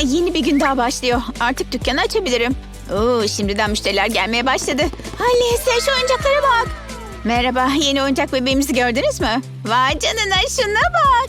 yeni bir gün daha başlıyor. Artık dükkanı açabilirim. Oo, şimdiden müşteriler gelmeye başladı. Alice, şu oyuncaklara bak. Merhaba, yeni oyuncak bebeğimizi gördünüz mü? Vay canına, şuna bak.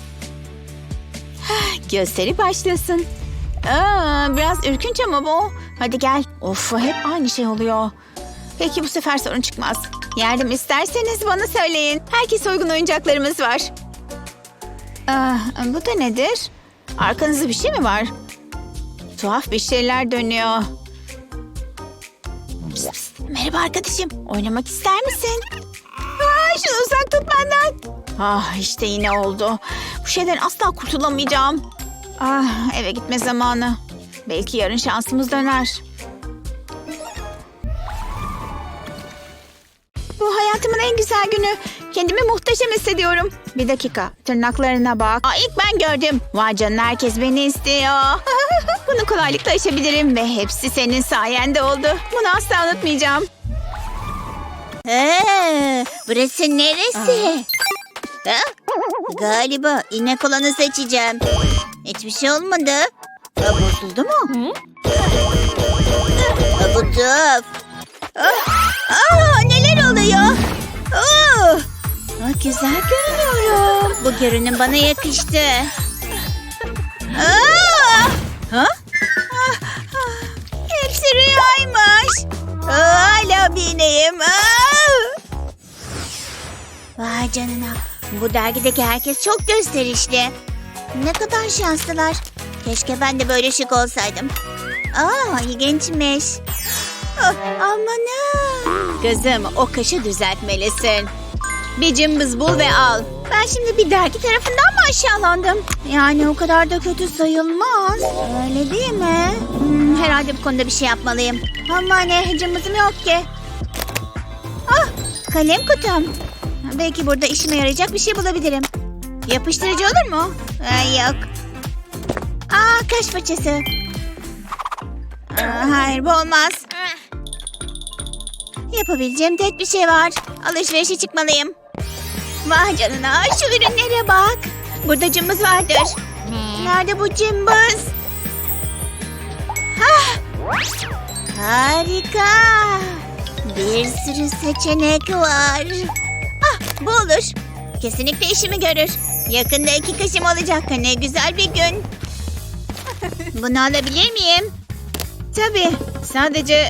Gösteri başlasın. Biraz ürkünç ama bu. Hadi gel. Of, hep aynı şey oluyor. Peki bu sefer sorun çıkmaz. Yardım isterseniz bana söyleyin. Herkese uygun oyuncaklarımız var. Bu da nedir? Arkanızda bir şey mi var? Tuhaf bir şeyler dönüyor. Pıs pıs. Merhaba arkadaşım. Oynamak ister misin? Şunu uzak tut benden. İşte yine oldu. Bu şeyden asla kurtulamayacağım. Eve gitme zamanı. Belki yarın şansımız döner. Bu hayatımın en güzel günü. Kendimi muhteşem hissediyorum. Bir dakika, tırnaklarına bak. İlk ben gördüm. Vay canına, herkes beni istiyor. Bunu kolaylıkla aşabilirim ve hepsi senin sayende oldu. Bunu asla unutmayacağım. Burası neresi? Galiba inek olanı seçeceğim. Hiçbir şey olmadı. Bozuldu mu? Bu tuhaf. Neler oluyor? Güzel görünüyorum. Bu görünüm bana yakıştı. Hepsi rüyaymış. Hala bir ineğim. Vay canına. Bu dergideki herkes çok gösterişli. Ne kadar şanslılar. Keşke ben de böyle şık olsaydım. İlginçmiş. Amanın. Kızım, o kaşı düzeltmelisin. Bir cımbız bul ve al. Ben şimdi bir dergi tarafından mı aşağılandım? Yani o kadar da kötü sayılmaz. Öyle değil mi? Herhalde bu konuda bir şey yapmalıyım. Ama ne, cımbızım yok ki. Kalem kutum. Belki burada işime yarayacak bir şey bulabilirim. Yapıştırıcı olur mu? Yok. Kaş fırçası. Hayır, bu olmaz. Yapabileceğim tek bir şey var. Alışverişe çıkmalıyım. Vay canına, şu ürünlere bak. Burada cımbız vardır. Nerede bu cımbız? Harika. Bir sürü seçenek var. Bu olur. Kesinlikle işimi görür. Yakında 2 kaşım olacak. Ne güzel bir gün. Bunu alabilir miyim? Tabii, sadece...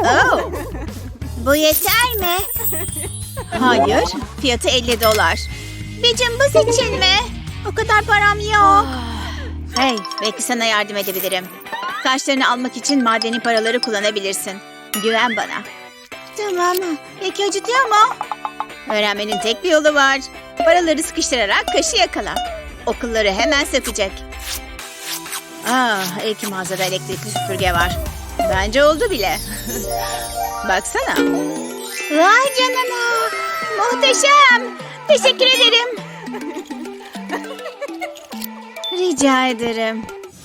Bu yeter mi? Hayır, fiyatı $50. Bir cımbız için mi? O kadar param yok. Hey, belki sana yardım edebilirim. Kaşlarını almak için madeni paraları kullanabilirsin. Güven bana. Tamam. Peki acıtıyor mu? Öğrenmenin tek bir yolu var. Paraları sıkıştırarak kaşı yakala. O kılları hemen sökecek. İyi ki mağazada elektrikli süpürge var. Bence oldu bile. Baksana. Vay canına. Muhteşem. Teşekkür ederim. Rica ederim.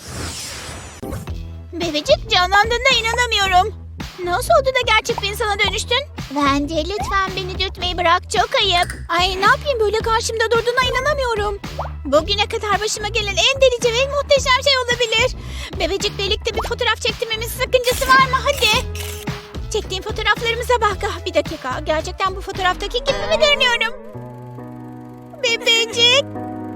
Bebecik, canlandığına inanamıyorum. Nasıl oldu da gerçek bir insana dönüştün? Wendy, lütfen beni dürtmeyi bırak. Çok ayıp. Ay, ne yapayım, böyle karşımda durduğuna inanamıyorum. Bugüne kadar başıma gelen en delice ve en muhteşem şey olabilir. Bebecik, birlikte bir fotoğraf çektirmemizin sakıncası var mı? Hadi. Çektiğim fotoğraflarımıza bak. Bir dakika. Gerçekten bu fotoğraftaki gibi mi görünüyorum? Bebecik.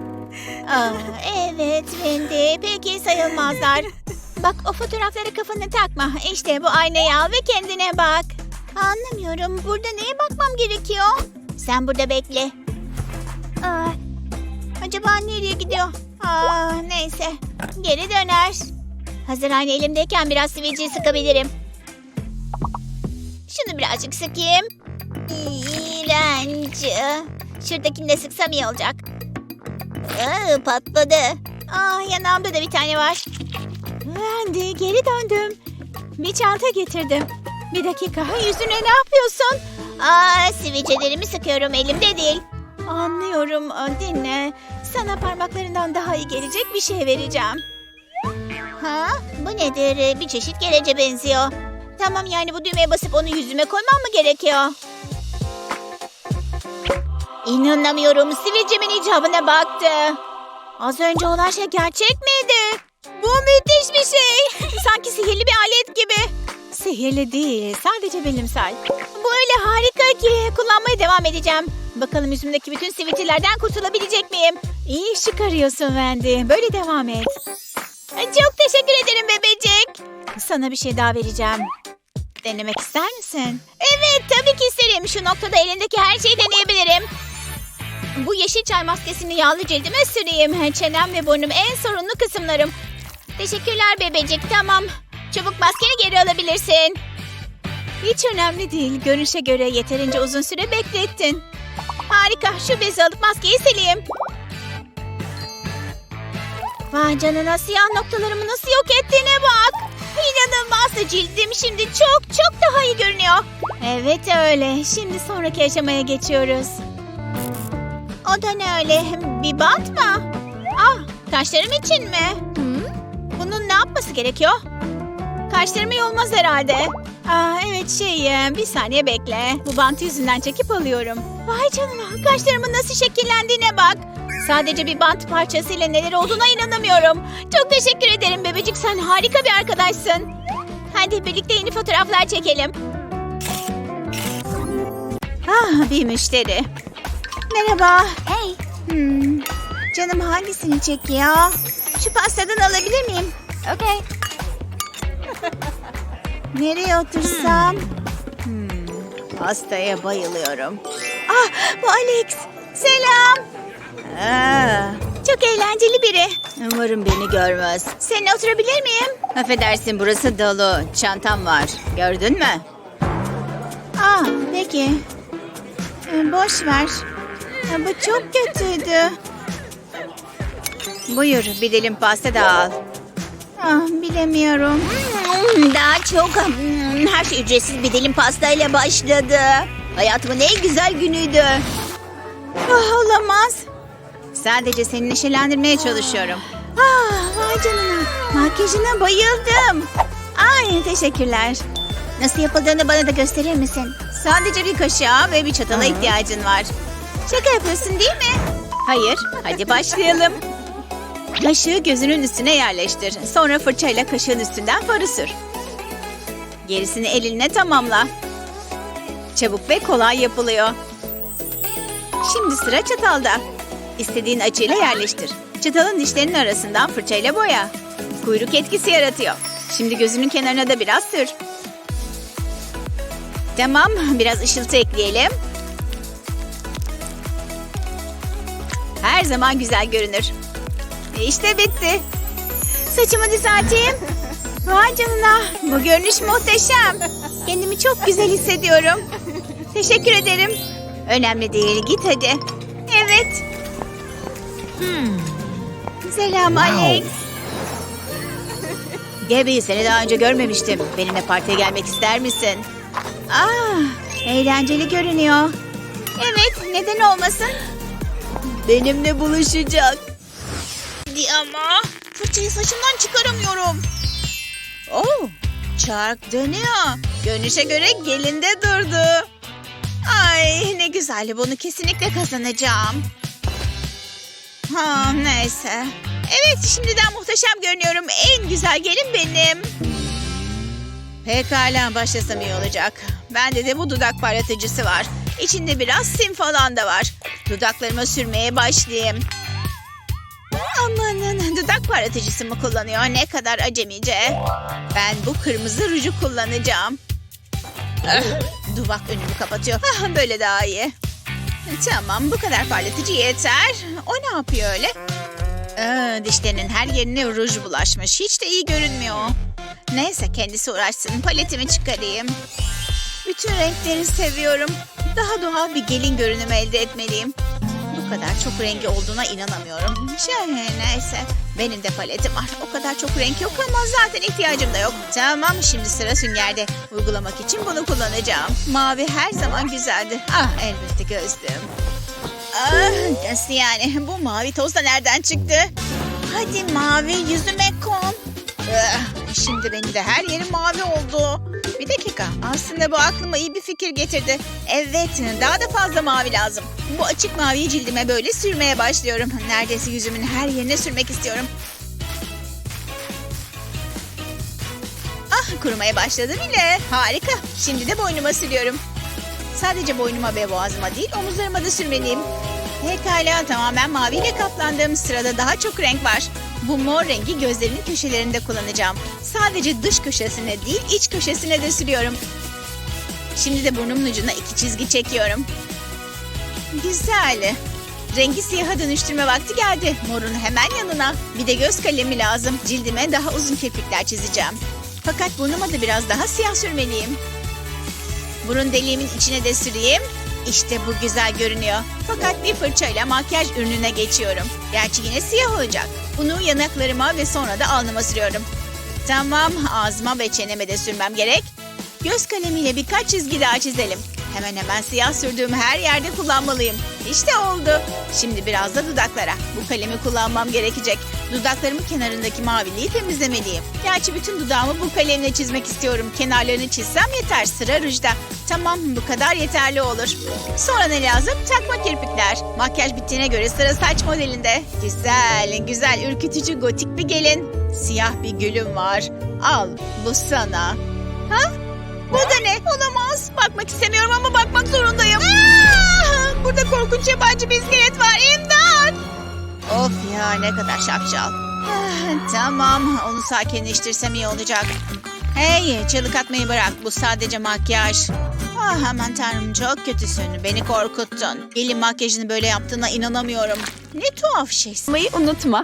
Evet Wendy. Peki sayılmazlar. Bak, o fotoğraflara kafanı takma. İşte bu aynayı al ve kendine bak. Anlamıyorum. Burada neye bakmam gerekiyor? Sen burada bekle. Acaba nereye gidiyor? Neyse. Geri döner. Hazır ayna elimdeyken biraz sivilceyi sıkabilirim. Şunu birazcık sıkayım. İğrenç. Şuradakini de sıksam iyi olacak. Patladı. Yanağımda da bir tane var. Wendy, geri döndüm. Bir çanta getirdim. Bir dakika, yüzüne ne yapıyorsun? Sivilcelerimi sıkıyorum, elimde değil. Anlıyorum, dinle. Sana parmaklarından daha iyi gelecek bir şey vereceğim. Bu nedir? Bir çeşit gelece benziyor. Tamam, yani bu düğmeye basıp onu yüzüme koymam mı gerekiyor? İnanamıyorum, sivilcemin icabına baktı. Az önce olan şey gerçek miydi? Bu müthiş bir şey. sanki sihirli bir alet gibi. Sihirli değil, sadece bilimsel. Bu öyle harika ki kullanmaya devam edeceğim. Bakalım yüzümdeki bütün sivilcelerden kurtulabilecek miyim? İyi iş çıkarıyorsun Wendy. Böyle devam et. Çok teşekkür ederim bebecik. Sana bir şey daha vereceğim. Denemek ister misin? Evet, tabii ki isterim. Şu noktada elindeki her şeyi deneyebilirim. Bu yeşil çay maskesini yağlı cildime süreyim. Çenem ve burnum en sorunlu kısımlarım. Teşekkürler bebecik, tamam. Çabuk maskeni geri alabilirsin. Hiç önemli değil. Görünüşe göre yeterince uzun süre beklettin. Harika. Şu bezi alıp maskeyi sileyim. Vay canına, siyah noktalarımı nasıl yok ettiğine bak. İnanılmaz, cildim şimdi çok daha iyi görünüyor. Evet öyle. Şimdi sonraki aşamaya geçiyoruz. O da ne öyle? Bir bant mı? Ah, kaşlarım için mi? Bunun ne yapması gerekiyor? Kaşlarımı yolmaz herhalde. Evet bir saniye bekle. Bu bantı yüzünden çekip alıyorum. Vay canına, kaşlarımın nasıl şekillendiğine bak. Sadece bir bant parçasıyla neler olduğuna inanamıyorum. Çok teşekkür ederim bebecik, sen harika bir arkadaşsın. Hadi birlikte yeni fotoğraflar çekelim. Bir müşteri. Merhaba. Hey. Canım hangisini çekiyor? Şu pastadan alabilir miyim? Okay. Nereye otursam? Pastaya bayılıyorum. Bu Alex. Selam. Çok eğlenceli biri. Umarım beni görmez. Seninle oturabilir miyim? Affedersin, burası dolu. Çantam var. Gördün mü? Peki. Boş ver. Bu çok kötüydü. Buyur, bir dilim pasta da al. Bilemiyorum. Daha çok. Her şey ücretsiz bir dilim pastayla başladı. Hayatımın en güzel günüydü. Olamaz. Sadece seni neşelendirmeye çalışıyorum. Vay canına. Makyajına bayıldım. Teşekkürler. Nasıl yapıldığını bana da gösterir misin? Sadece bir kaşığa ve bir çatala ihtiyacın var. Şaka yapıyorsun değil mi? Hayır. Hadi başlayalım. Kaşığı gözünün üstüne yerleştir. Sonra fırçayla kaşığın üstünden farı sür. Gerisini elinle tamamla. Çabuk ve kolay yapılıyor. Şimdi sıra çatalda. İstediğin açıyla yerleştir. Çatalın dişlerinin arasından fırçayla boya. Kuyruk etkisi yaratıyor. Şimdi gözünün kenarına da biraz sür. Tamam, biraz ışıltı ekleyelim. Her zaman güzel görünür. İşte bitti. Saçımı düzelteyim. Vay canına, bu görünüş muhteşem. Kendimi çok güzel hissediyorum. Teşekkür ederim. Önemli değil, git hadi. Evet. Selam Alex. Gabby, seni daha önce görmemiştim. Benimle partiye gelmek ister misin? Eğlenceli görünüyor. Evet, neden olmasın? Benimle buluşacak. Ama fırçayı saçımdan çıkaramıyorum. Çark dönüyor. Görünüşe göre gelinde durdu. Ay ne güzel, bunu kesinlikle kazanacağım. Neyse. Evet, şimdiden muhteşem görünüyorum. En güzel gelin benim. Pekala, başlasam iyi olacak. Bende de bu dudak parlatıcısı var. İçinde biraz sim falan da var. Dudaklarıma sürmeye başlayayım. Amanın, dudak parlatıcısı mı kullanıyor? Ne kadar acemice. Ben bu kırmızı ruju kullanacağım. Dudak önümü kapatıyor. Böyle daha iyi. Tamam, bu kadar parlatıcı yeter. O ne yapıyor öyle? Dişlerinin her yerine ruj bulaşmış. Hiç de iyi görünmüyor. Neyse, kendisi uğraşsın. Paletimi çıkarayım. Bütün renkleri seviyorum. Daha doğal bir gelin görünümü elde etmeliyim. Bu kadar çok rengi olduğuna inanamıyorum. Neyse. Benim de paletim var. O kadar çok renk yok ama zaten ihtiyacım da yok. Tamam, şimdi sıra süngerde. Uygulamak için bunu kullanacağım. Mavi her zaman güzeldir. Elbette gözlüğüm. Nasıl yani? Bu mavi toz da nereden çıktı? Hadi mavi yüzüme kon. Şimdi benim de her yerim mavi oldu. Bir dakika. Aslında bu aklıma iyi bir fikir getirdi. Evet, daha da fazla mavi lazım. Bu açık maviyi cildime böyle sürmeye başlıyorum. Neredeyse yüzümün her yerine sürmek istiyorum. kurumaya başladı bile. Harika. Şimdi de boynuma sürüyorum. Sadece boynuma ve boğazıma değil, omuzlarıma da sürmeliyim. Pekala, tamamen maviyle kaplandım. Sırada daha çok renk var. Bu mor rengi gözlerimin köşelerinde kullanacağım. Sadece dış köşesine değil, iç köşesine de sürüyorum. Şimdi de burnumun ucuna 2 çizgi çekiyorum. Güzel. Rengi siyaha dönüştürme vakti geldi. Morun hemen yanına. Bir de göz kalemi lazım. Cildime daha uzun kirpikler çizeceğim. Fakat burnuma da biraz daha siyah sürmeliyim. Burun deliğimin içine de süreyim. İşte bu güzel görünüyor. Fakat bir fırçayla makyaj ürününe geçiyorum. Gerçi yine siyah olacak. Bunu yanaklarıma ve sonra da alnıma sürüyorum. Tamam, ağzıma ve çeneme de sürmem gerek. Göz kalemiyle birkaç çizgi daha çizelim. Hemen hemen siyah sürdüğüm her yerde kullanmalıyım. İşte oldu. Şimdi biraz da dudaklara. Bu kalemi kullanmam gerekecek. Dudaklarımın kenarındaki maviliği temizlemeliyim. Gerçi bütün dudağımı bu kalemle çizmek istiyorum. Kenarlarını çizsem yeter. Sıra rujda. Tamam, bu kadar yeterli olur. Sonra ne lazım? Takma kirpikler. Makyaj bittiğine göre sıra saç modelinde. Güzel, güzel, ürkütücü gotik bir gelin. Siyah bir gülüm var. Al, bu sana. Ha? Bu da ne? Olamaz. Bakmak istemiyorum ama bakmak zorundayım. Burada korkunç yabancı bir iskelet var. İmdat! Of ya, ne kadar şapşal. Tamam, onu sakinleştirsem iyi olacak. Hey, çığlık atmayı bırak. Bu sadece makyaj. Aman tanrım, çok kötüsün. Beni korkuttun. Gelin makyajını böyle yaptığına inanamıyorum. Ne tuhaf şeysin. Unutma.